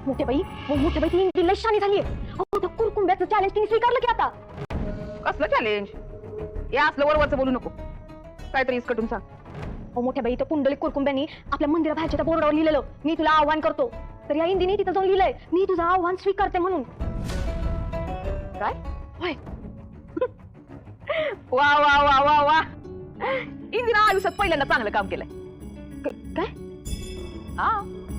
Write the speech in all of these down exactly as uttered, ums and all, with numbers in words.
मोठे बाई मोठे बाई ती लई शानी झालीये. अहो त्या कुरकुंब्याचं चॅलेंज तिने स्वीकारलं की आता. कसलं चॅलेंज? या असलं वरवरचं बोलू नको, काहीतरी इसकटून सांग. अहो मोठ्या बाई त्या पुंडलिक कुरकुंब्यानी आपल्या मंदिराबाहेरच्या त्या बोर्डावर लिहिलेलं, मी तुला आव्हान करतो. तर या इंदीने तिथं जाऊन लिहिलंय, मी तुझं आव्हान स्वीकारते म्हणून. काय? होय. वा वा वा वा वा, इंदिरा आयुष्यात पहिल्यांदा चांगलं काम केलंय. काय? हा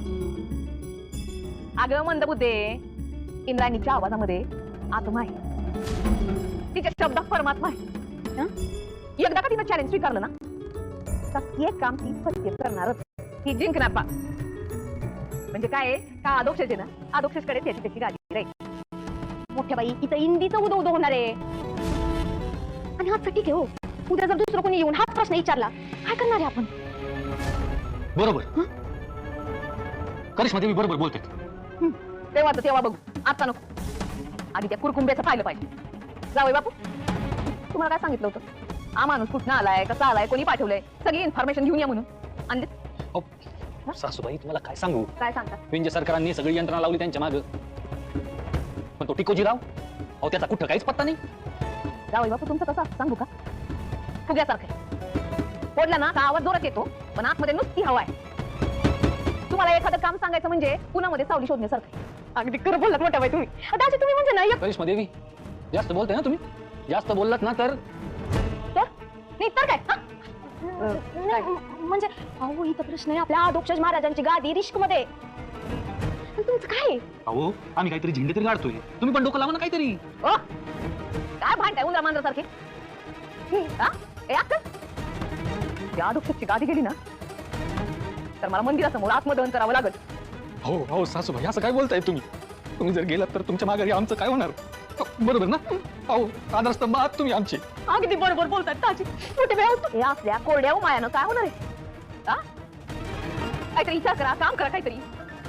अगं मंदबुद्धे, इंद्रायणीच्या आवाजामध्ये आत्मा आहे, तिच्या शब्दात परमात्मा आहे. एकदा का तिनं चॅलेंज स्वीकारलं ना, तर एक काम ती सत्य करणारच, ती जिंकणार पा. म्हणजे काय का आदोक्षेचे ना, आदोक्षेकडे त्याची त्याची गाडी राहील. मोठ्या बाई इथं इंदीचं उदो उदो होणार आहे. आणि हाच ठीक आहे हो, उद्या जर दुसरं कोणी येऊन हाच प्रश्न विचारला, काय करणार आहे आपण? बरोबर. करिश्मा देवी बरोबर बोलते. तेव्हा तर तेव्हा बघू, आता नको. आधी त्या कुरकुंब्याचं पाहिलं पाहिजे. जावई बापू, तुम्हाला काय सांगितलं होतं? हा माणूस कुठं आलाय, कसा आलाय, कोणी पाठवलंय, सगळी इन्फॉर्मेशन घेऊन या म्हणून. आणले सासूबाई तुम्हाला काय सांगू, काय सांगता? विंजे सरकारांनी सगळी यंत्रणा लावली त्यांच्या मागे, पण तो टिकोजीराव, अहो त्याचा कुठं काहीच पत्ता नाही. जावई बापू तुमचं कसं सांगू का? फुग्यासारखं फोडला ना का आवाज जोरात येतो, पण आतमध्ये नुसती हवा आहे. तुम्हाला एखादं काम सांगायचं म्हणजे पुण्यामध्ये सावली शोधण्यासारखं. अगदी खरं बोललात मोठ्या बाई तुम्ही. दाजी तुम्ही म्हणजे ना एक करिश्मा देवी, जास्त बोलताय ना तुम्ही, जास्त बोललात ना तर तर नाही तर काय? नाही, म्हणजे अहो इथं प्रश्न आहे आपल्या आदोक्षज महाराजांची गादी रिस्क मध्ये. तुमचं काय? अहो आम्ही काहीतरी झेंडे तरी काढतोय, तुम्ही पण डोकं लावा ना काहीतरी. ओ काय भांडताय उंदरा मांजरासारखे? हा ए अक्कल, त्या आदोक्षची गादी गेली ना, तर मला मंदिरासमोर आत्मदहन करावं लागल. हो हो सासूबाई, असं काय बोलताय तुम्ही? तुम्ही जर गेलात तर तुमच्या माघारी आमचं काय होणार? बरोबर ना? अहो आधारस्तंभ आहात तुम्ही आमचे. अगदी बरोबर बोलतात दाजी. मोठे बाई हे असल्या कोरड्या मायानं काय होणार आहे? हा काहीतरी विचार करा, काम करा काहीतरी.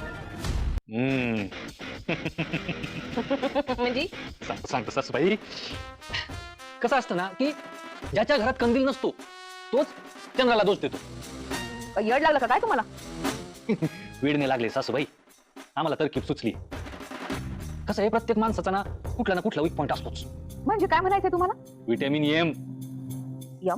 म्हणजे सांगतो सांगतो सासूबाई, कसं असतं ना की ज्याच्या घरात कंदील नसतो तोच चंद्राला दोष देतो. काही येड लागलं का काय तुम्हाला? वेडने लागले सासूबाई, आम्हाला तरकीब सुचली. कसं आहे, प्रत्येक माणसाचा ना कुठला ना कुठला वीक पॉइंट असतोच. म्हणजे काय म्हणायचंय तुम्हाला? विटॅमिन एम यम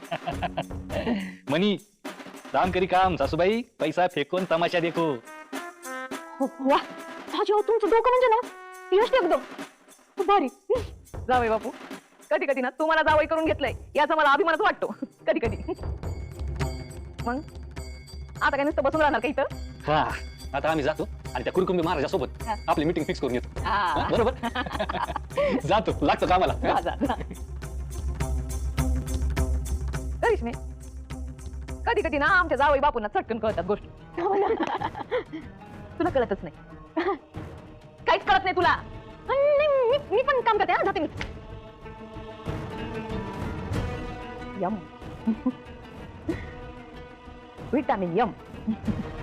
मनी काम करी काम सासूबाई, पैसा फेकून तमाशा देखो. वा दाजी, अहो तुमचं डोकं म्हणजे ना यश एकदम भारी. जावई बापू, कधी कधी ना तुम्हाला जावई करून घेतलंय याचा मला अभिमानच वाटतो. कधी कधी मग आता काय नुसतं बसून राहणार का इथं? हा, आता आम्ही जातो आणि त्या कुरकुंबी महाराजासोबत आपली मीटिंग फिक्स करून येतो. हा, बरोबर. जातो, लागतो कामाला. जा, जा, जा. करिश्मे, कधी कधी ना आमच्या जावई बापूंना चटकन कळतात गोष्टी. तुला कळतच नाही, काहीच कळत नाही तुला. मी मी पण काम करते, जाते मी. M vitamin M